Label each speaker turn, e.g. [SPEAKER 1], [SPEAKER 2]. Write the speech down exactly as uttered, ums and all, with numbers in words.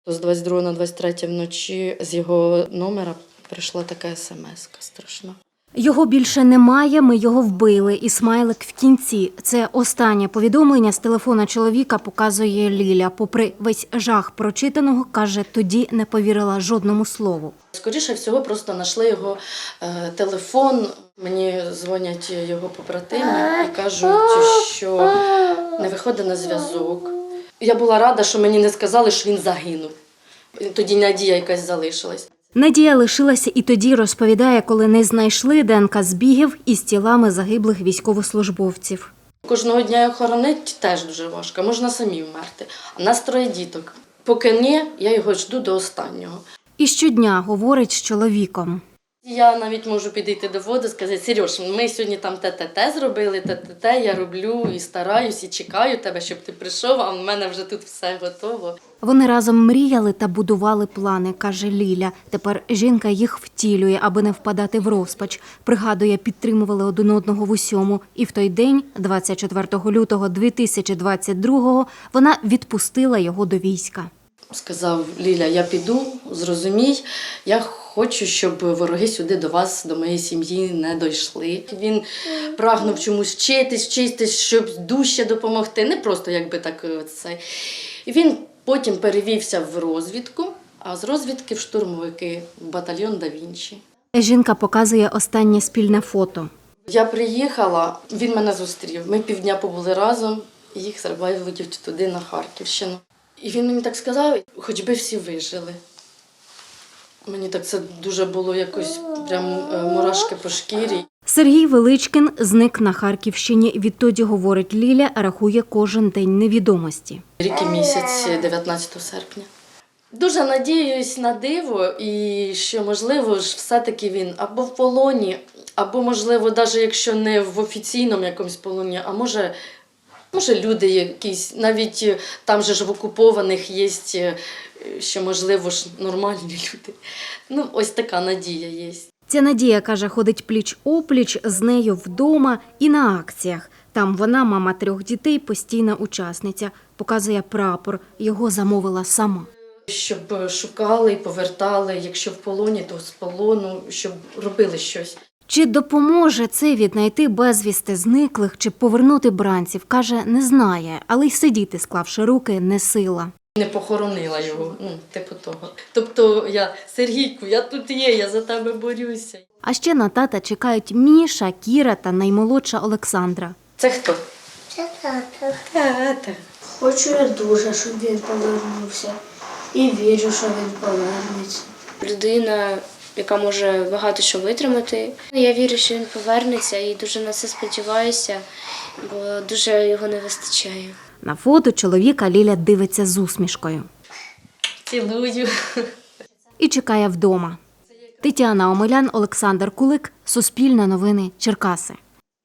[SPEAKER 1] З двадцять другого на двадцять третє вночі з його номера прийшла така смс-ка страшна.
[SPEAKER 2] Його більше немає, ми його вбили. І смайлик в кінці. Це останнє повідомлення з телефона чоловіка показує Ліля. Попри весь жах прочитаного, каже, тоді не повірила жодному слову.
[SPEAKER 1] Скоріше всього, просто знайшли його е, телефон. Мені дзвонять його побратими і кажуть, що не виходить на зв'язок. Я була рада, що мені не сказали, що він загинув. Тоді надія якась залишилась.
[SPEAKER 2] Надія лишилася і тоді, розповідає, коли не знайшли ДНК збігів із тілами загиблих військовослужбовців.
[SPEAKER 1] Кожного дня його хоронити теж дуже важко, можна самі вмерти. А нас троє діток. Поки ні, я його жду до останнього.
[SPEAKER 2] І щодня говорить з чоловіком.
[SPEAKER 1] Я навіть можу підійти до води і сказати: Сереж, ми сьогодні там те-те-те зробили, те-те-те, я роблю і стараюсь, і чекаю тебе, щоб ти прийшов, а в мене вже тут все готово.
[SPEAKER 2] Вони разом мріяли та будували плани, каже Ліля. Тепер жінка їх втілює, аби не впадати в розпач. Пригадує, підтримували один одного в усьому. І в той день, двадцять четвертого лютого дві тисячі двадцять другого, вона відпустила його до війська.
[SPEAKER 1] Сказав: Ліля, я піду, зрозумій, я хочу, щоб вороги сюди до вас, до моєї сім'ї не дійшли. Він прагнув чомусь вчитись, вчитись, щоб дужче допомогти, не просто якби так це. І він потім перевівся в розвідку, а з розвідки в штурмовики, в батальйон Да Вінчі.
[SPEAKER 2] Жінка показує останнє спільне фото.
[SPEAKER 1] Я приїхала, він мене зустрів. Ми півдня побули разом, і їх вилетів туди, на Харківщину. І він мені так сказав: хоч би всі вижили. Мені так це дуже було якось прям мурашки по шкірі.
[SPEAKER 2] Сергій Величкін зник на Харківщині. Відтоді, говорить Ліля, рахує кожен день невідомості.
[SPEAKER 1] Рік і місяць, дев'ятнадцятого серпня. Дуже надіюсь на диво, і що, можливо, ж все-таки він або в полоні, або, можливо, навіть якщо не в офіційному якомусь полоні, а може, може люди якісь, навіть там же ж в окупованих є, що, можливо, ж нормальні люди. Ну, ось така надія є.
[SPEAKER 2] Ця Надія, каже, ходить пліч-опліч з нею вдома і на акціях. Там вона, мама трьох дітей, постійна учасниця. Показує прапор. Його замовила сама.
[SPEAKER 1] Щоб шукали і повертали, якщо в полоні, то з полону, щоб робили щось.
[SPEAKER 2] Чи допоможе це віднайти безвісти зниклих, чи повернути бранців, каже, не знає, але й сидіти, склавши руки, не сила.
[SPEAKER 1] Не похоронила його, ну, типу того. Тобто я: Сергійку, я тут є, я за тебе борюся.
[SPEAKER 2] А ще на тата чекають Міша, Кіра та наймолодша Олександра.
[SPEAKER 1] Це хто?
[SPEAKER 3] Це тато.
[SPEAKER 1] Тата.
[SPEAKER 3] Хочу я дуже, щоб він повернувся. І вірю, що він повернеться.
[SPEAKER 4] Людина, яка може багато що витримати. Я вірю, що він повернеться, і дуже на це сподіваюся, бо дуже його не вистачає.
[SPEAKER 2] На фото чоловіка Ліля дивиться з усмішкою.
[SPEAKER 1] Цілую.
[SPEAKER 2] І чекає вдома. Тетяна Омелян, Олександр Кулик, Суспільне новини, Черкаси.